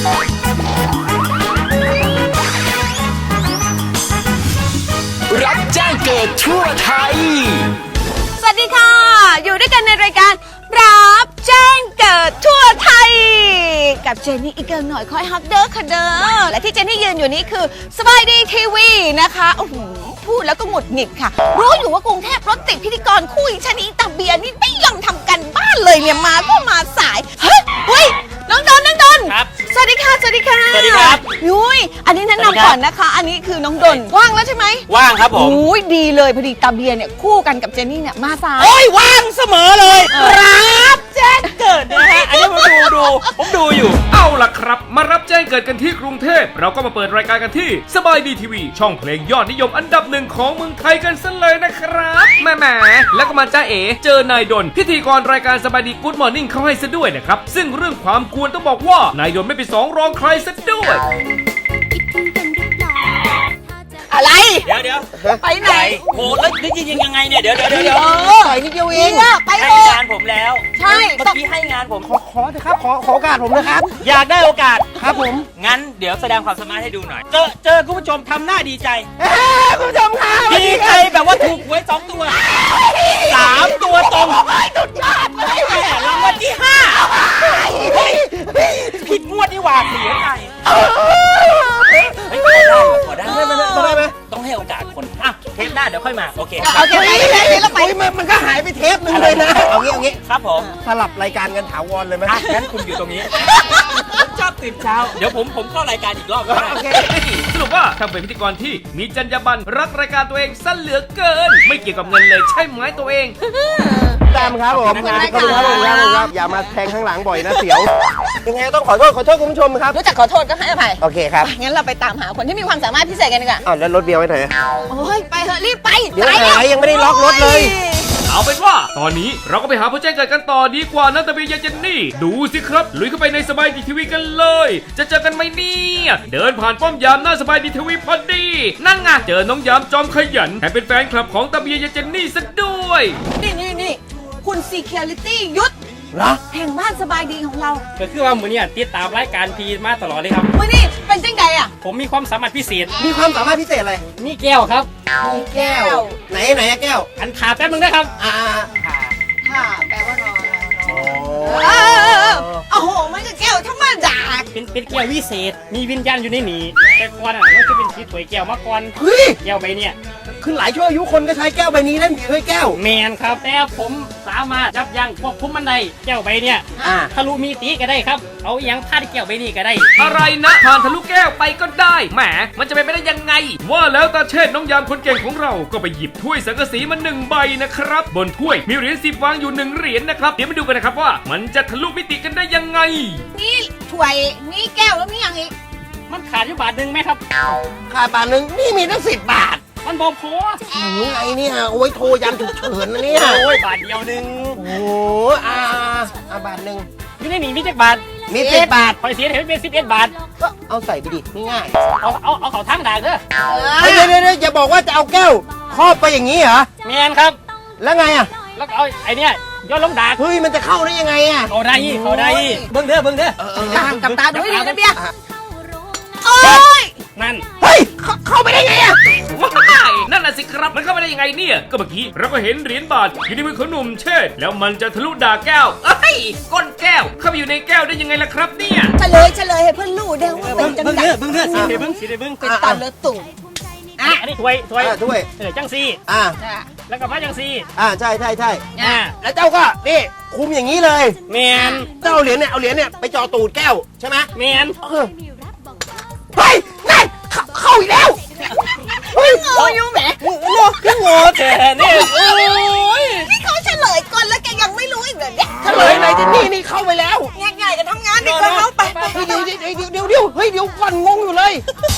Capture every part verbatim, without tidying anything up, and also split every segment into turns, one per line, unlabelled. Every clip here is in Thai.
รับแจ้งเกิดทั่วไทย
สวัสดีค่ะอยู่ด้วยกันในรายการรับแจ้งเกิดทั่วไทยกับเจนนี่อีกเกินหน่อยคอยฮับเด้อค่ะเด้อและที่เจนนี่ยืนอยู่นี้คือสบายดีทีวีนะคะโอ้โหพูดแล้วก็หงุดหงิดค่ะรู้อยู่ว่ากรุงเทพรถติดพิธีกรคู่อีชนีตาเบียนี่ไม่ยอมทำกันบ้านเลยเนี่ยมาก็มาสายเฮ้ยเฮ้ยน้องดนน้องดน
ครับ
สวัสดีค่ะสวัสดีค่ะ
สวัสดีครับ
ยุ้ยอันนี้แนะนำก่อนนะคะอันนี้คือน้องดนว่างแล้วใช่ไหม
ว่างครับผม
โอ้ยดีเลยพอดีตาเบียเนี่ยคู่กันกับเจนนี่เนี่ยมาสาย
โอ้ยว่างเสมอเลยรับแจ้งเกิดนะฮะอันนี้ผมดูดูผมดูอยู่
เอาล่ะครับมารับแจ้งเกิดกันที่กรุงเทพเราก็มาเปิดรายการกันที่สบายดีทีวีช่องเพลงยอดนิยมอันดับหนึ่งของเมืองไทยกันซะเลยนะครับแม่แหมแล้วก็มาจ้าเอ๋เจอนายดนพิธีกรรายการสบายดีกู๊ดมอร์นิ่งเขาให้ซะด้วยนะครับซึ่งเรื่องความกวนต้องบอกว่านายดนไม่เป็นสองรองใครซะด้วย
อะไร
เดี๋ยวเดี๋ยว
ไปไหน
โหแล้วนี่ยิงยังไงเนี่ยเดี๋ยวเดี๋ยวเดี๋ยว
ใส่นิดเดียวเองไป
ให้งานผมแล้ว
ใช่
เมื่อกี้ให้งานผม
ขอขอเถอะครับขอขอโอกาสผมนะครับ
อยากได้โอกาส
ครับผม
งั้นเดี๋ยวแสดงความสามารถให้ดูหน่อยเจอเจอคุณผู้ชมทำหน้าดีใจ
คุณผู้ชมครับ
ดีใจแบบว่าถูกหวยสองตัวสามตัวตรง
สุดยอดเลย
แหมรางวัลที่ห้าผิดงวดนี่หว่าเสียใจไม่ได้พอได้
ได้ไหมได้ไหม
ต้องให้โอกาสคนอ่ะเทปหน้าเดี๋ยวค่อยมาโอเค
โอเคไปไปแล้วไป
มันก็หายไปเทปนึงเลยนะเอางี้เอางี้
ครับผม
สลับรายการกันถาวรเลยไหม
งั้นคุณอยู่ตรงนี้ผมชอบตื่นเช้าเดี๋ยวผมผมเข้ารายการอีกรอบก็ได้โอเค
สรุปว่าถ้าเป็นพิธีกรที่มีจรรยาบรรณรักรายการตัวเองซะเหลือเกินไม่เกี่ยวกับเงินเลยใช่ไหมตัวเอง
ตามครับผมขอบคุณครับผมครับอย่ามาแทงข้างหลังบ่อยนะเสียวยังไงต้องขอโทษขอโทษคุณผู้ชมครับ
รู้จักขอโทษก็ให้อภัย
โอเคครับ
งั้นเราไปตามหาคนที่มีความสามารถพิเศษกันดีกว่า
อ้าวแล้วรถเบียร์ไว้ไหน
โอ้ยไปเถอะรีบไป
เดี๋ยวหายยังไม่ได้ล็อกรถเลย
เอาเป็นว่าตอนนี้เราก็ไปหาผู้แจ้งเกิดกันต่อดีกว่านะตะเบียเจนนี่ดูสิครับลุยเข้าไปในสบายดีทีวีกันเลยจะเจอกันไหมเนี่ยเดินผ่านป้อมยามหน้าสบายดีทีวีพอดีนั่งไงเจอน้องยามจอมขยันแถมเป็นแฟนคลับของตะเบียเจนนี่ซะด้วย
นี่นี่นี่คุณ Security ยุทธ
เหรอ
แห่งบ้านสบายดีของเรา
ก็คือว่ามือเนี่ยติดตามรายการพีมาตลอดเลยครับ
มือนี่เป็นจังไงอ่ะ
ผมมีความสามารถพิเศษ
มีความสามารถพิเศษอะไร
มีแก้วครับ
มีแก้ว
ไหนไหนแก้ว
อันขาแป๊บนึงนะครับ
อ่า
ขาขาแปลว่านอนโอ้โหมันก็แก้วธรรมดา
เป็นเป็นแก้ววิเศษมีวิญญาณอยู่ในนี้แต่ก่อนอ่ะมันจะเป็นสีถวยแก้วมาก่อน
เฮ้ย
แก้วใบเนี่ย
ขึ้นหลายชั่วอายุคนก็ใช้แก้วใบนี้ได้มีด้วยแก้ว
แมนครับแต่ผมสามารถยับยั้งควบคุมมันได้แก้วใบเนี่ยทะลุมีตีก็ได้ครับเอาอย่างพาดแก้วใบนี้ก็ได้
อะไรนะผ่านทะลุแก้วไปก็ได้แหมมันจะเป็นไปได้ยังไงว่าแล้วตาเชษน้องยามคนเก่งของเราก็ไปหยิบถ้วยสังกะสีมาหนึ่งใบนะครับบนถ้วยมีเหรียญสิบวางอยู่หนึ่งเหรียญนะครับเดี๋ยวมาดูกันนะครับว่ามันจะทะลุมิติกันได้ยังไง
นี่ถ้วยนี่แก้วแล้วนี่ยังอีก
มันขาดอยู่บาทหนึ่งไหมครับ
ขาดบาทหนึ่งนี่มีตั้งสิบบาท
มันบอกพอ
หนูไงเนี่ยโอ้ยโทรยันฉุกเฉินนะเนี่ย
โอ้ยบาทเดียวหนึ่ง
โอ้อาอาบาทหนึ่ง
มีในนี้มีจักบาท
มีสิบบาท
พอเสียเห็นเป็นสิบเอ็ดบาท
ก็เอาใส่ไปดิง่าย
เอาเอาเอาเขาทั้งด่างเด้
อเดี๋ยวเดี๋ยวอย่าบอกว่าจะเอาแก้วครอบไปอย่างนี้เหรอ
แมนครับ
แล้วไงอ่ะ
แล้วก็เอาไอเนี้ยย้อนลงด่าง
เฮ้ยมันจะเข้าได้ยังไงอ่ะ
เขาได้เขาได้เบิ้งเด้อเบิ้งเด้อ
กับตาดูให้ดีนะเบียร์โอ้ย
นั่น
เฮ้ยเข้าไปได้ไงอ่ะ
ว้ายนั่นน่ะสิครับมันเข้าไปได้ยังไงเนี่ยก็เมื่อกี้เราก็เห็นเหรียญบาทอยู่ในมือของหนุ่มเชษแล้วมันจะทะลุด่าแก้วเอ้ยก้นแก้วเข้าไปอยู่ในแก้วได้ยังไงล่ะครับเนี่ย
เฉลยเฉลยให้เพื่อนรู้เด้อว่าเป็นจังไง
เบิ้งเด้อสีเด้อเบิ้งสีเด้อเบิ้ง
เป็นตาเลือดตุ่ม
อ่ะอันนี้ถ้วยถ้วย
ถ้วย
เออจังซี
อ่า
แล้วก็มาจังซี
อ่าใช่ใช่ใช่
อ่า
แล้วเจ้าก็นี่คุมอย่างนี้เลย
แมน
เจ้าเอาเหรียญเนี่ยเอาเหรียญเนี่ยไปจ่อตูดแก้วใช่ไหม
แมน
เฮ้ยนั่นเข้าอีกแล้ว
เฮ้ยโง่ยุ่งแหม
โง่พี่โง่แท้เนี่ยโอ้
ยนี่เขาเฉลยก่อนแล้วแกยังไม่รู้อีกเหรอเนี่ย
เฉลยไหนที่นี่นี่เข้าไปแล้ว
ง่ายๆกันทำงานดิคนเขาไปไป
เดี๋ยวเดี๋ยวเดี๋ยวเดี๋ยวเฮ้ยเดี๋ยวก่อนงงอยู่เลย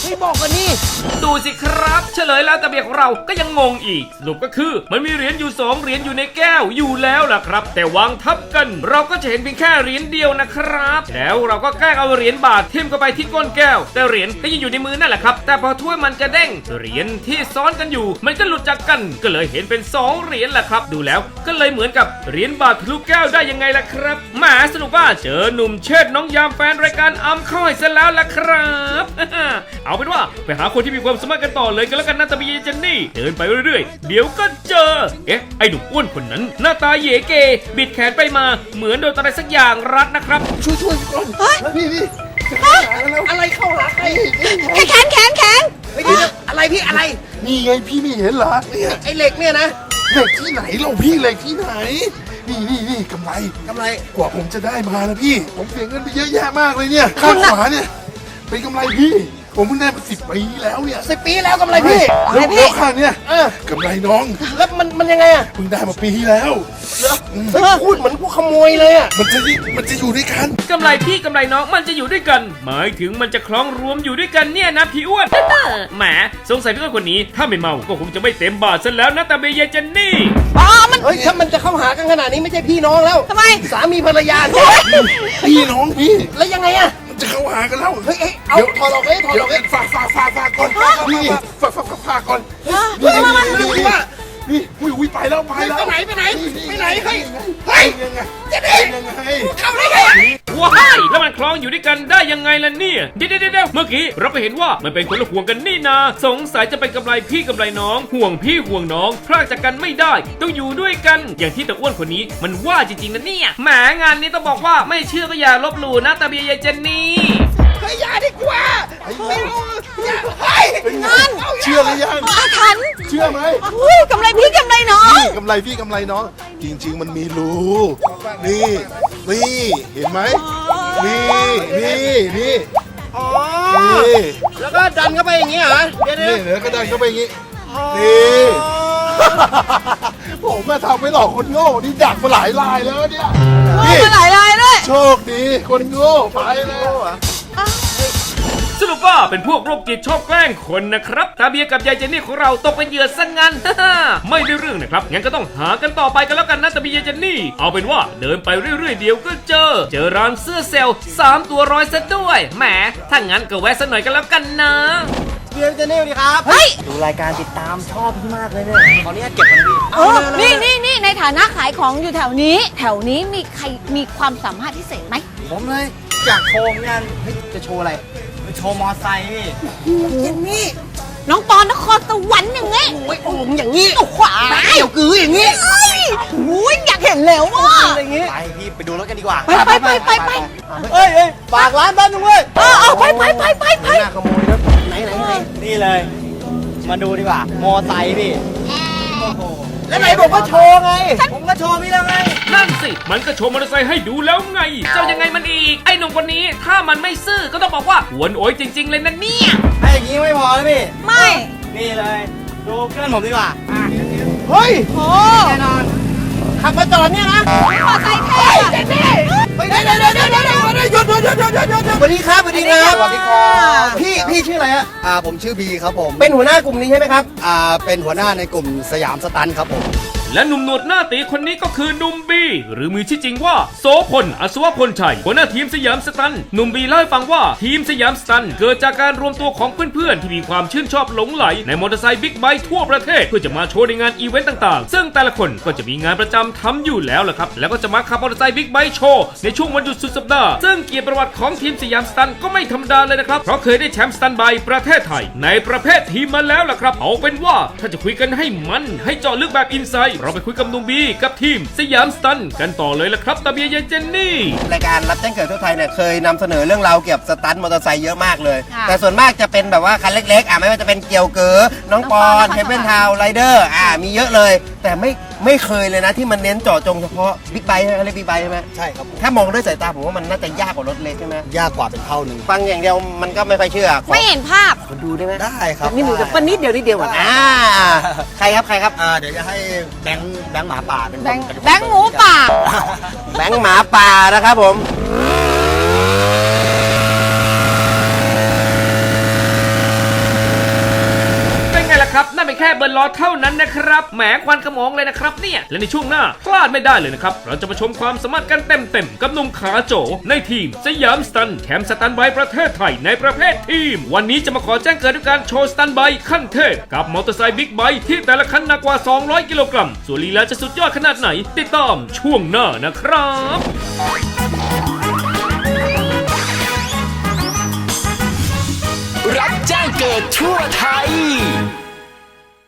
ไม่บอกกันนี่
ดูสิครับเฉลยแล้วแต่เบียของเราก็ยังงงอีกสรุปก็คือมันมีเหรียญอยู่สองเหรียญอยู่ในแก้วอยู่แล้วล่ะครับ แต่วางทับกันเราก็จะเห็นเพียงแค่เหรียญเดียวนะครับแล้วเราก็แกล้งเอาเหรียญบาททิ่มเข้าไปที่ก้นแก้วแต่เหรียญก็ยังอยู่ในมือนั่นแหละครับแต่พอถ้วยมันจะเด้งเหรียญที่ซ้อนกันอยู่มันก็หลุดจากกันก็เลยเห็นเป็นสองเหรียญแหละครับดูแล้วก็เลยเหมือนกับเหรียญบาททะลุแก้วได้ยังไงล่ะครับแหมสรุปว่าเจอหนุ่มเชิดน้องยามแฟนรายการอัมเข้าให้ซะแล้วล่ะครับ เอาเป็นว่าไปหาคนที่มีความสามารถกันต่อเลยกันแล้วกันนะตาบีเจนนี่เดินไปเรื่อยๆเดี๋ยวก็เจอเอ๊ะไอ้หนุ่มอ้วนคนนั้นหน้าตาเย่เกบิดแขนไปมาเหมือนโดนอะไรสักอย่างรัดนะครับ
ช่วยช่วยก่อนพี่พี่อะไรเข้าหาใคร
แขนแขนแขน
อะไรพี่อะไร
นี่ไงพี่ไม่เห็นเหรอเนี่ย
ไอ้เหล็กเนี่ยนะ
เหล็กที่ไหนเราพี่เหล็กที่ไหน นี่นี่นี่กำไร
กำไร
กว่าผมจะได้มานะพี่ ผมเสียเงินไปเยอะแยะมากเลยเนี่ยข้างขวาเนี่ยเป็นกำไรพี่ ผมเพิ่งได้มาสิบปีแล้วเนี่ย
สิบปีแล้วกำไรพี่
แล้วแล้วข้างเนี่ยกำไรน้อง
แล้วมันมันยังไงอะ
เพิ่งได้มาปีที่แล้ว
เฮ้ยพูดเหมือนผู้ขโมยเลยอะ
มันจะมันจะอยู่ด้วยกัน
กำไรพี่กำไรน้องมันจะอยู่ด้วยกัน หมายถึงมันจะคล้องรวมอยู่ด้วยกันเนี่ยนะพี่อ้วน แหมสงสัยพี่อ้วนคนนี้ถ้าไม่เมาก็คงจะไม่เต็มบาทซะแล้วนะตาเบเยเจนนี่
อ๋อมัน
เฮ้ยถ้ามันจะเข้าหากันขนาดนี้ไม่ใช่พี่น้องแล้ว
ทำไม
สามีภรรยา
พี่น้องพี่
แล้วยังไงอะ
มันจะเข้าหากันแล้ว
เฮ้ยเอ้ยเอาถอดออกเลยถอด
เดี๋ย
อ
ว
อกเลย
ฝากฝากฝากฝากก่อนพี่ฝากฝากฝากฝากก่อนนี่นี่นี่นี่นี่อุ้ยอุ้ยไปแล้วไปแล้ว
ไปไหนไปไหนไปไหนเฮ้ย
เฮ้ยยังไงจะได้ยังไง
เข้าได้ไงอะ
ว้ายแล้วมันคล้องอยู่ด้วยกันได้ยังไงล่ะเนี่ยเดี๋ยวเดี๋ยวเมื่อกี้เราไปเห็นว่ามันเป็นคนละห่วงกันนี่นาสงสัยจะเป็นกำไรพี่กำไรน้องห่วงพี่ห่วงน้องพลากจากกันไม่ได้ต้องอยู่ด้วยกัน อย่างที่ตะอ้วนคนนี้มันว่าจริงๆนะเนี่ยแหมงานนี้ต้องบอกว่าไม่เชื่อก็อย่าลบหลู่นะตาเบียยายเจนนี่
เฮ้ยอย่าดีกว่าไม่เอาอย่าเฮ้ย
นั่น
เชื่อหรือยัง
อาถรรพ์
เชื่อไหม
อุ้ยกำไรพี่กำไรน้อง
นี่กำไรพี่กำไรน้อง จริง ๆ มันมีรูนี่นี่เห็นไหมนี่นี่นี่
อ๋อ
นี่
แล้วก็ดันเข้าไปอย่างงี้เหรอเดี๋ยวเดี๋ยว
นี่เดี๋ยวก็ดันเข้าไปอย่างงี้นี่ ผมมาทำไม่หลอกคนโง่นี่ดักมาหลายลายแล้วเนี่ย
โอ้
นี่
มาหลายลายด้วย
โชคดีคนโง่ไปแล้ว
สรุปว่าเป็นพวกโรคจิตชอบแกล้งคนนะครับตาเบียกับยายเจนนี่ของเราตกเป็นเหยื่อซะงั้น ไม่ได้เรื่องนะครับงั้นก็ต้องหากันต่อไปกันแล้วกันนะตาเบียยายเจนนี่เอาเป็นว่าเดินไปเรื่อยๆเดี๋ยวก็เจอ เจอร้านเสื้อเซลล์สามตัวร้อยซะด้วยแหมถ้างั้นก็แวะสักหน่อยกันแล้วกันนะ
เบียร์เจนนี่สวัสดีครับ
เฮ้ย
ดูรายการติดตามชอบพี่มากเลยเนี่ยตอนนี้เก็บมันดี
เออนี่นี่นี่ในฐานะขายของอยู่แถวนี้ แถวนี้มีใครมีความสามารถพิเศษไหม
ผมเลยอยากโชว์งานเฮ้ยจะโชว์อะไรไปโชว์มอไซค์พี่
อย่างนี้
น้องปอนนครสวรรค์อย่างงี้
โอ้ยโอ่งอย่างนี้
โอ้ขวา
เกี่ยวกืออย่างนี้
เอ้ยอุ้ยอยากเห็นแล้วว่ะ
อย่างนี้
ไปพี่ไปดูรถกันดีกว่า
ไปไปไปไปไป
เฮ้ยเฮ้ยฝากร้านบ้านด้วย
เออเอาไปไปไปไปไป
น่าขโมยนะไหนไหนไหน
นี่เลย มาดูดีกว่า มอไซค์พี่
แล้วไหนบอกว่าโชว์ไง
ผมก็โชว์พี่แล้วไง
นั่นสิมันก็โชว์มอเตอร์ไซค์ให้ดูแล้วไงเจ้ายังไงมันอีกไอ้หนุ่มคนนี้ถ้ามันไม่ซื่อก็ต้องบอกว่าหวนโอยจริง ๆเลยนะเนี่ย
ถ้าอย่างนี้ไม่พอนะพี่
ไม่
นี่เลย ดูเพื่อนผมดีกว่าอ่ะ
เฮ้ย
โอ้
แน่นอน
ขับมาจอดเนี่ยนะ
มอไซค์เท่อะ
เฮ้ยเดี๋ยวเดี๋ยวเดี๋ยวเดี๋ยวเดี๋ยวหยุดหยุดหยุดหยุดหยุดหยุดหยุดสวัสดีครับสวัสดีครับ
สวัสดีครับ
พี่พี่ชื่ออะไรฮะ
อ่าผมชื่อบีครับผม
เป็นหัวหน้ากลุ่มนี้ใช่ไหมครับ
อ่าเป็นหัวหน้าในกลุ่มสยามสตันครับผม
และหนุ่มหนวดหน้าตีคนนี้ก็คือหนุ่มบีหรือมีชื่อจริงว่าโสพลอัศวพลชัยหัวหน้าทีมสยามสตันหนุ่มบีเล่าให้ฟังว่าทีมสยามสตันเกิดจากการรวมตัวของเพื่อนๆที่มีความชื่นชอบหลงไหลในมอเตอร์ไซค์บิ๊กไบค์ทั่วประเทศเพื่อจะมาโชว์ในงานอีเวนต์ต่างๆซึ่งแต่ละคนก็จะมีงานประจำทำอยู่แล้วแหละครับแล้วก็จะมาขับมอเตอร์ไซค์บิ๊กไบค์โชว์ในช่วงวันหยุดสุดสัปดาห์ซึ่งเกียรติประวัติของทีมสยามสตันก็ไม่ธรรมดาเลยนะครับเพราะเคยได้แชมป์สตันไบค์ประเทศไทยในประเภททีมมาแล้วล่ะครับเอาเป็นว่าถ้าจะคุยกันให้มันให้เจาะลึกแบบอินไซด์เราไปคุยกับหนุ่มบีกับทีมสยามสตันกันต่อเลยละครับตาเบียยายเจนนี่
รายการรับแจ้งเกิดทั่วไทยเนี่ยเคยนำเสนอเรื่องราวเกี่ยวกับสตันท์มอเตอร์ไซค์เยอะมากเลย
ค่ะ
แต่ส่วนมากจะเป็นแบบว่าคันเล็กๆอ่ะไม่ว่าจะเป็นเกี่ยวเก๋อน้องปอน
น้องปอน
เทปเปิลทาวไรเดอร์อ่ามีเยอะเลย แต่ไม่ไม่เคยเลยนะที่มันเน้นเจาะจงเฉพาะบิ๊กไบค์ใช่ไหมเรียกบิ๊กไบค์ใช่ไหม
ใช่ครับผม
ถ้ามองด้วยสายตาผมว่ามันน่าจะยากกว่ารถเล็กใช่ไหม
ยากกว่าเป็นเท่าหนึ่ง
ฟังอย่างเดียวมันก็ไม่ค่อยเชื่อขอ
ไม่เห็นภาพ
ดูได้ไหม
ได้ครับ
นี่หนูจะปนนิดเดียวนิดเดียวก่อนอ่าใครครับใครครับ
อ่าเดี๋ยวจะให้แบงค์แบงค์หมาป่าเป็นคน
แบงค์
เป็นคน
แบงค์หมูป่า
แบงค์หมาป่านะครับผม
เบิร์นล้อเท่านั้นนะครับแหมควันขโมงเลยนะครับเนี่ยและในช่วงหน้าพลาดไม่ได้เลยนะครับเราจะมาชมความสามารถกันเต็มๆกับหนุ่มขาโจในทีมสยามสตันแชมป์สตันไบประเทศไทยในประเภททีมวันนี้จะมาขอแจ้งเกิดด้วยการโชว์สตันไบขั้นเทพกับมอเตอร์ไซค์บิ๊กไบค์ที่แต่ละคันหนักกว่าสองร้อยกิโลกรัมส่วนลีลาจะสุดยอดขนาดไหนติดตามช่วงหน้านะครับ
รับแจ้งเกิดทั่วไทย